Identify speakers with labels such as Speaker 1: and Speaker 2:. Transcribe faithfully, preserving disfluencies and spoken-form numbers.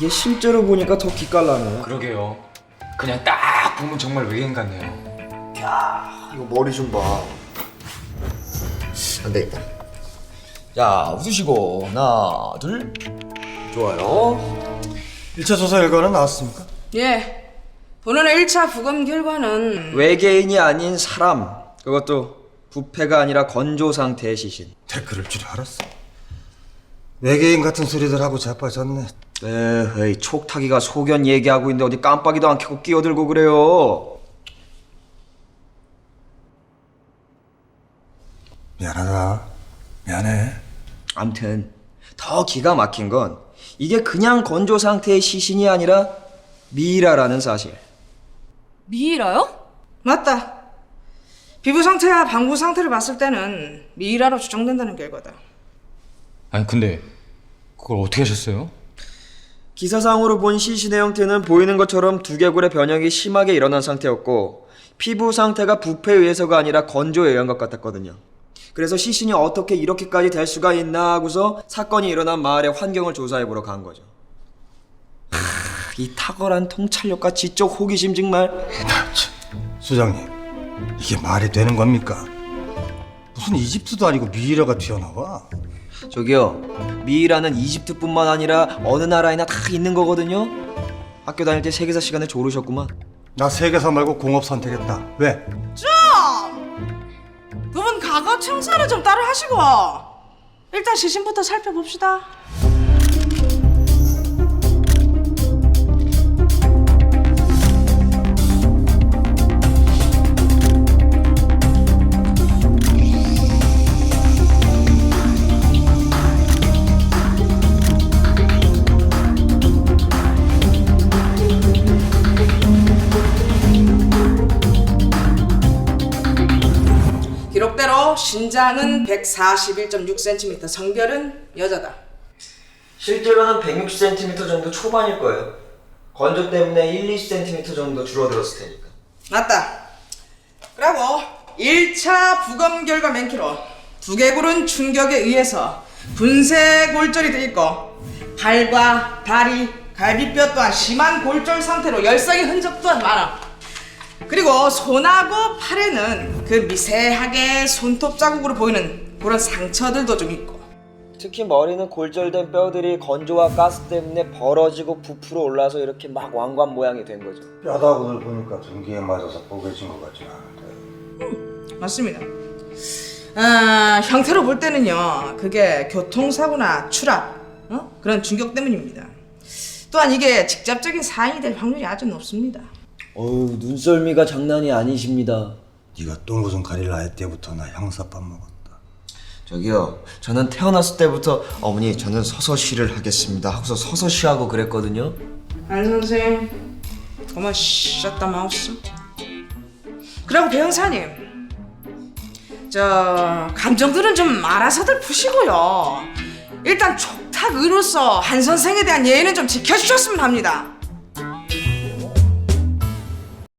Speaker 1: 이게 실제로 보니까 더 기깔나네.
Speaker 2: 그러게요. 그냥 딱 보면 정말 외계인 같네요.
Speaker 1: 야, 이거 머리 좀 봐. 안 되겠다. 자, 웃으시고 하나, 둘. 좋아요.
Speaker 3: 일 차 조사 결과는 나왔습니까?
Speaker 4: 예. 본원의 일 차 부검 결과는
Speaker 1: 외계인이 아닌 사람. 그것도 부패가 아니라 건조 상태의 시신.
Speaker 3: 댓글을 줄 알았어. 외계인 같은 소리들 하고 자빠졌네.
Speaker 1: 에이, 촉탁이가 소견 얘기하고 있는데 어디 깜빡이도 안 켜고 끼어들고 그래요.
Speaker 3: 미안하다. 미안해.
Speaker 1: 암튼 더 기가 막힌 건 이게 그냥 건조 상태의 시신이 아니라 미이라라는 사실.
Speaker 5: 미이라요?
Speaker 4: 맞다. 피부 상태와 방부 상태를 봤을 때는 미이라로 추정된다는 결과다.
Speaker 2: 아니 근데 그걸 어떻게 하셨어요?
Speaker 1: 기사상으로 본 시신의 형태는 보이는 것처럼 두개골의 변형이 심하게 일어난 상태였고 피부 상태가 부패에 의해서가 아니라 건조에 의한 것 같았거든요. 그래서 시신이 어떻게 이렇게까지 될 수가 있나 하고서 사건이 일어난 마을의 환경을 조사해보러 간 거죠. 하, 이 탁월한 통찰력과 지적 호기심 정말.
Speaker 3: 수장님, 이게 말이 되는 겁니까? 무슨 이집트도 아니고 미이라가 튀어나와?
Speaker 1: 저기요, 미이라는 이집트뿐만 아니라 어느 나라에나 다 있는 거거든요. 학교 다닐 때 세계사 시간에 조르셨구만.
Speaker 3: 나 세계사 말고 공업 선택했다. 왜?
Speaker 4: 두 분 과거 청산을 좀 따로 하시고 일단 시신부터 살펴봅시다. 기록대로 신장은 백사십일 점 육 센티미터, 성별은 여자다.
Speaker 1: 실제로는 백육십 센티미터 정도 초반일 거예요. 건조 때문에 일, 이십 센티미터 정도 줄어들었을 테니까.
Speaker 4: 맞다. 그리고 일 차 부검 결과 맨키로 두개골은 충격에 의해서 분쇄 골절이 돼 있고 발과 다리, 갈비뼈 또한 심한 골절 상태로 열상의 흔적 또한 많아. 그리고 손하고 팔에는 그 미세하게 손톱 자국으로 보이는 그런 상처들도 좀 있고.
Speaker 1: 특히 머리는 골절된 뼈들이 건조와 가스 때문에 벌어지고 부풀어 올라서 이렇게 막 왕관 모양이 된 거죠.
Speaker 3: 뼈다구를 보니까 전기에 맞아서 뽀개진 것 같진 않은데.
Speaker 4: 맞습니다. 아, 형태로 볼 때는요, 그게 교통사고나 추락, 어? 그런 충격 때문입니다. 또한 이게 직접적인 사인이 될 확률이 아주 높습니다.
Speaker 1: 어우, 눈썰미가 장난이 아니십니다.
Speaker 3: 네가 똥구멍 가릴라 할 때부터 나 형사밥 먹었다.
Speaker 1: 저기요, 저는 태어났을 때부터 어머니 저는 서서 시를 하겠습니다 하고서 서서 시하고 그랬거든요.
Speaker 4: 안 선생, 그만 샷다 마우스. 그리고 배 형사님, 저 감정들은 좀 알아서들 푸시고요. 일단 촉탁 의로서 한 선생에 대한 예의는 좀 지켜주셨으면 합니다.